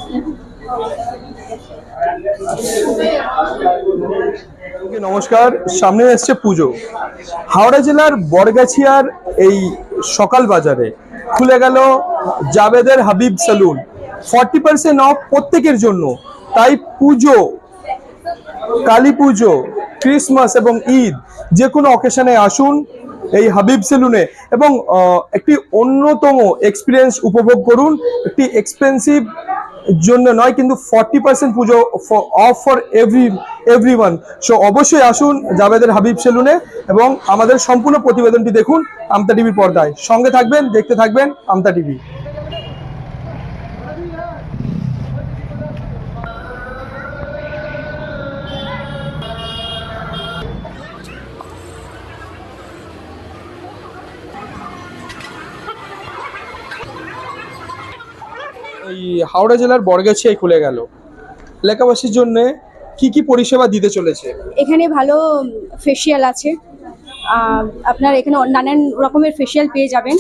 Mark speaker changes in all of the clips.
Speaker 1: নমস্কার। সামনে এসছে পুজো। হাওড়া জেলার বরগাছিয়ার এই সকাল বাজারে খুলে গেল জাবেদের হাবিব সেলুন। 40% অফ প্রত্যেকের জন্য। তাই পুজো, কালী পুজো, ক্রিসমাস এবং ঈদ যে কোনো অকেশনে আসুন এই হাবিব সেলুনে এবং একটি অন্যতম এক্সপিরিয়েন্স উপভোগ করুন। একটি এক্সপেন্সিভ জন্য নয়, কিন্তু 40% পুজো অফ ফর এভরিওয়ান। সো অবশ্যই আসুন জাবেদের হাবিব সেলুনে এবং আমাদের সম্পূর্ণ প্রতিবেদনটি দেখুন আমতা টিভির পর্দায়। সঙ্গে থাকবেন, দেখতে থাকবেন আমতা টিভি। এই হাওড়া জেলার বরগাছিয়ায় খুলে গেল। এলাকাবাসীর জন্য কি কি পরিষেবা দিতে চলেছে?
Speaker 2: এখানে ভালো ফেসিয়াল আছে। আপনার এখানে নানান রকমের ফেসিয়াল পেয়ে যাবেন।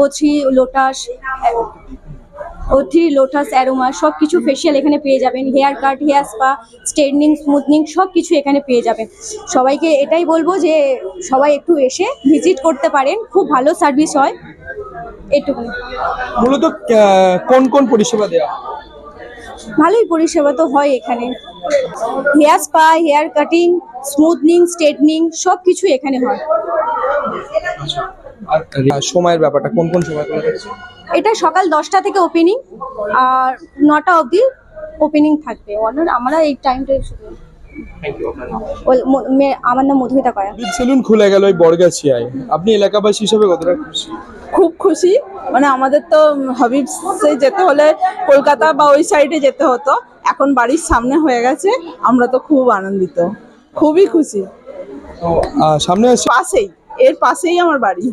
Speaker 2: O3 লোটাস অ্যারোমা সব কিছু ফেসিয়াল এখানে পেয়ে যাবেন। Hair cut, hair spa, straightening, smoothing সব কিছু এখানে পেয়ে যাবেন। সবাইকে এটাই বলবো যে সবাই একটু এসে ভিজিট করতে পারেন, খুব ভালো সার্ভিস হয়। এটুকু।
Speaker 1: মূলত কোন কোন পরিষেবা দেওয়া?
Speaker 2: ভালোই পরিষেবা তো হয় এখানে। Hair spa, hair cutting, smoothing, straightening সব কিছু এখানে হয়।
Speaker 1: আর সময়ের ব্যাপারটা কোন কোন সময় খোলা থাকছে?
Speaker 2: এটা সকাল 10টা থেকে ওপেনিং আর 9টা অবধি ওপেনিং থাকবে। আমরা এই টাইমটাই শুধু। আমার নাম মধুমিতা কয়া।
Speaker 1: হাবিব সেলুন খুলে গেল এই বরগাছিয়ায়। আপনি এলাকাবাসী হিসেবে কতটা খুশি?
Speaker 3: খুব খুশি। মানে আমাদের তো হাবিবসে যেতে হলে কলকাতা বা ওই সাইডে যেতে হতো, এখন বাড়ির সামনে হয়ে গেছে। আমরা তো খুব আনন্দিত, খুবই খুশি।
Speaker 1: তো সামনে আসছে
Speaker 3: এর পাশেই আমার বাড়ি।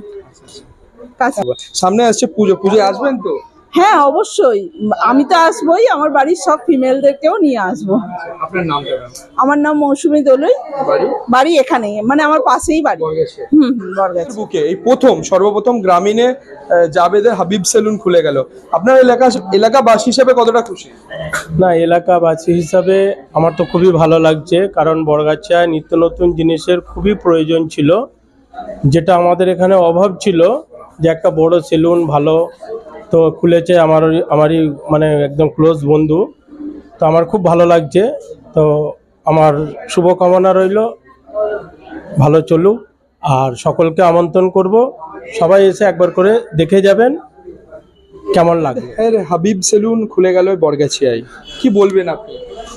Speaker 1: সামনে আসছে পুজো। পুজোয় আসবেন তো?
Speaker 3: হ্যাঁ অবশ্যই, আমি তো আসবোই, আমার বাড়ির সব ফিমেলদেরকেও নিয়ে আসবো।
Speaker 1: আপনার নামটা?
Speaker 3: আমার নাম মৌসুমী দলুই। বাড়ি এখানেই, মানে আমার পাশেই বাড়ি। বরগাছি
Speaker 1: বুকে এই সর্বপ্রথম গ্রামীণে জাবেদের হাবিব সেলুন খুলে গেল। আপনার এলাকাবাসী হিসেবে কতটা খুশি?
Speaker 4: না, এলাকাবাসী হিসাবে আমার তো খুবই ভালো লাগছে, কারণ বরগাছিয়ায় নিত্য নতুন জিনিসের খুবই প্রয়োজন ছিল, যেটা আমাদের এখানে অভাব ছিল, যে একটা বড় সেলুন ভালো তো খুলেছে আমারই মানে একদম ক্লোজ বন্ধু। তো আমার খুব ভালো লাগছে। তো আমার শুভকামনা রইল ভালো চলুক, আর সকলকে আমন্ত্রণ করব, সবাই এসে একবার করে দেখে যাবেন কেমন লাগে।
Speaker 1: হাবিব সেলুন খুলে গেল বরগাছিয়ায়, কি বলবেন আপনি?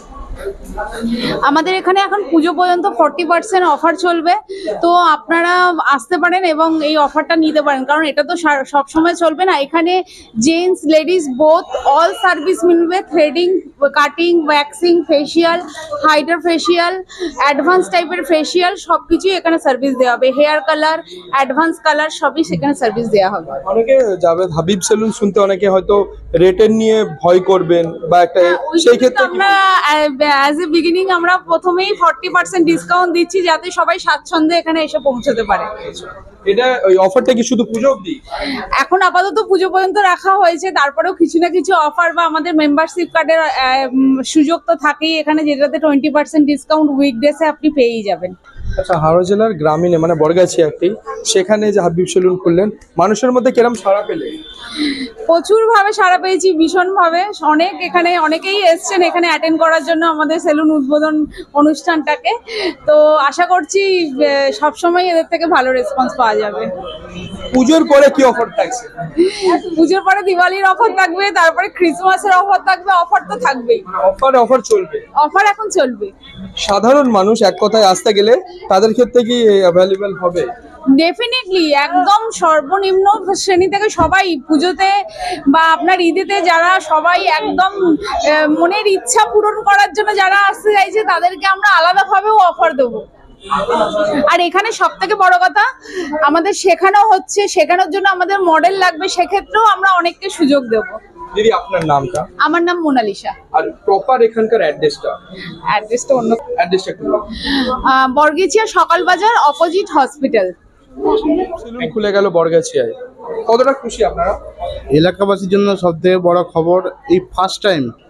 Speaker 5: আমাদের এখানে এখন পুজো পর্যন্ত 40% অফার চলবে, তো আপনারা আসতে পারেন এবং এই অফারটা নিতে পারেন, কারণ এটা তো সব সময় চলবে না। এখানে gents ladies both all service মিলবে। Threading, cutting, waxing, facial, hydra facial, advance টাইপের ফেসিয়াল সব কিছুই এখানে সার্ভিস দেওয়া হবে। হেয়ার কালার, অ্যাডভান্স কালার সবই সেখানে সার্ভিস দেওয়া হবে।
Speaker 1: অনেকে জাবেদ হাবিব সেলুন শুনতে অনেকে হয়তো রেটের নিয়ে ভয় করবেন বা একটা, সেই ক্ষেত্রে
Speaker 5: আমরা অ্যাজ এ বিগিনিং আমরা প্রথমেই 40% ডিসকাউন্ট দিচ্ছি, যাতে সবাই স্বাচ্ছন্দ্যে এখানে এসে পৌঁছতে পারে।
Speaker 1: এটা ওই অফারটা কি শুধু পুজো অবধি?
Speaker 5: এখন আপাতত পুজো পর্যন্ত রাখা হয়েছে, তারপরেও কিছু না কিছু অফার বা আমাদের মেম্বারশিপ কার্ডের সুযোগ তো থাকেই এখানে, যেটাতে 20% ডিসকাউন্ট উইকডেসে আপনি পেয়েই যাবেন।
Speaker 1: আচ্ছা, হাওড়া জেলার গ্রামীণে মানে বরগাছিয়া একটি, সেখানে যে হাবিব সেলুন খুললেন, মানুষের মধ্যে কিরম সাড়া পেলে?
Speaker 5: প্রচুর ভাবে সাড়া পেয়েছি, ভীষণ ভাবে। অনেকেই এসছেন এখানে অ্যাটেন্ড করার জন্য আমাদের সেলুন উদ্বোধন অনুষ্ঠানটাকে। তো আশা করছি সবসময় এদের থেকে ভালো রেসপন্স পাওয়া যাবে।
Speaker 1: পুজোর পরে কি অফার থাকছে?
Speaker 5: পুজোর পরে দিওয়ালির অফার থাকবে, তারপরে ক্রিসমাসের অফার থাকবে। অফার তো থাকবেই,
Speaker 1: অফার চলবে।
Speaker 5: অফার এখন চলবে।
Speaker 1: সাধারণ মানুষ এক কথায় আসতে গেলে তাদের ক্ষেত্রে কি অ্যাভেলেবল হবে?
Speaker 5: ডেফিনেটলি, একদম সর্বনিম্ন শ্রেণী থেকে সবাই পুজোতে বা আপনার ঈদেতে যারা সবাই একদম মনের ইচ্ছা পূরণ করার জন্য যারা আসতে চাইছে, তাদেরকে আমরা আলাদাভাবেও অফার দেবো। আর এখানে সব থেকে বড় কথা, আমাদের শেখানোর জন্য আমাদের মডেল লাগবে, সেক্ষেত্রেও আমরা অনেককে সুযোগ দেবো।
Speaker 1: দিদি, আপনার নামটা?
Speaker 5: আমার নাম মোনালিসা।
Speaker 1: আর প্রপার এখানকার অ্যাড্রেসটা
Speaker 5: অন্য
Speaker 1: একটু।
Speaker 5: বরগাছিয়া সকাল বাজার, অপোজিট হসপিটাল।
Speaker 1: সেলুন খুলে গেল বরগাছিয়ায়, কতটা খুশি আপনারা?
Speaker 6: এলাকাবাসীর জন্য সবথেকে বড় খবর, এই ফার্স্ট টাইম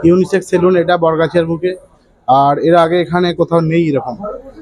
Speaker 6: ইউনিসেক্স সেলুন, এটা বরগাছিয়ার বুকে। আর এর আগে এখানে কোথাও নেই এরকম।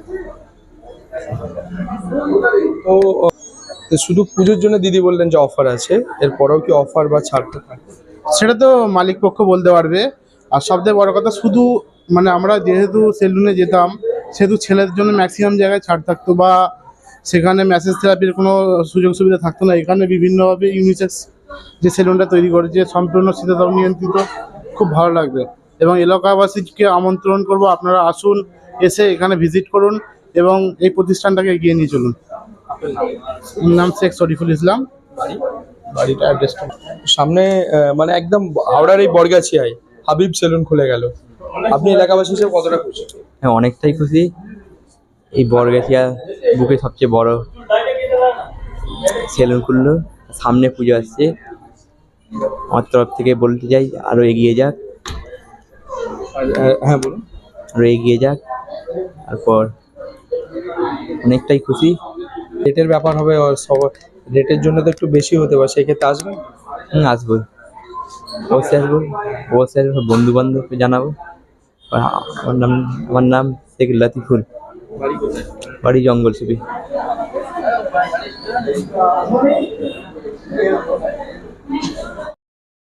Speaker 1: তো তো শুধু পুজোর জন্য দিদি বললেন যে অফার আছে, এরপরেও কি অফার বা ছাড় থাকে?
Speaker 6: সেটা তো মালিক পক্ষ বলতে পারবে। আর সবথেকে বড় কথা, শুধু মানে আমরা যেহেতু সেলুনে যেতাম সেহেতু ছেলেদের জন্য ম্যাক্সিমাম জায়গায় ছাড় থাকতো, বা সেখানে ম্যাসেজ থেরাপির কোনো সুযোগ সুবিধা থাকতো না। এখানে বিভিন্নভাবে ইউনিসেক্স যে সেলুনটা তৈরি করেছে সম্পূর্ণ শীতাতপ নিয়ন্ত্রিত, খুব ভালো লাগবে। এবং এলাকাবাসীকে আমন্ত্রণ করব, আপনারা আসুন, এসে এখানে ভিজিট করুন এবং এই প্রতিষ্ঠানটাকে এগিয়ে নিয়ে চলুন। আমার নাম শেখ শরীফুল ইসলাম, বাড়িটা অ্যাড্রেসটা।
Speaker 1: সামনে মানে একদম হাওড়ার এই বরগাছিয়ায় হাবিব সেলুন খুলে গেল, আপনি এলাকাবাসী হিসেবে কতটা খুশি?
Speaker 7: হ্যাঁ, অনেকটাই খুশি। এই বরগাছিয়া বুকে সবচেয়ে বড় সেলুন খুললো, সামনে পুজো আসছে। আমার তরফ থেকে বলতে চাই আরো এগিয়ে যাক,
Speaker 1: হ্যাঁ বলুন।
Speaker 7: আরো এগিয়ে যাক। তারপর অনেকটাই খুশি।
Speaker 1: রেটের ব্যাপার হবে, সব রেটের জন্য তো একটু বেশি হতে পারে, সেক্ষেত্রে আসবেন?
Speaker 7: আসবো, অবশ্যই আসবো, অবশ্যই আসবো। বন্ধু বান্ধবকে জানাবো। আর আমার নাম শেখ লতিফুল,
Speaker 1: বাড়ি কোথায়?
Speaker 7: বাড়ি জঙ্গল সুবি।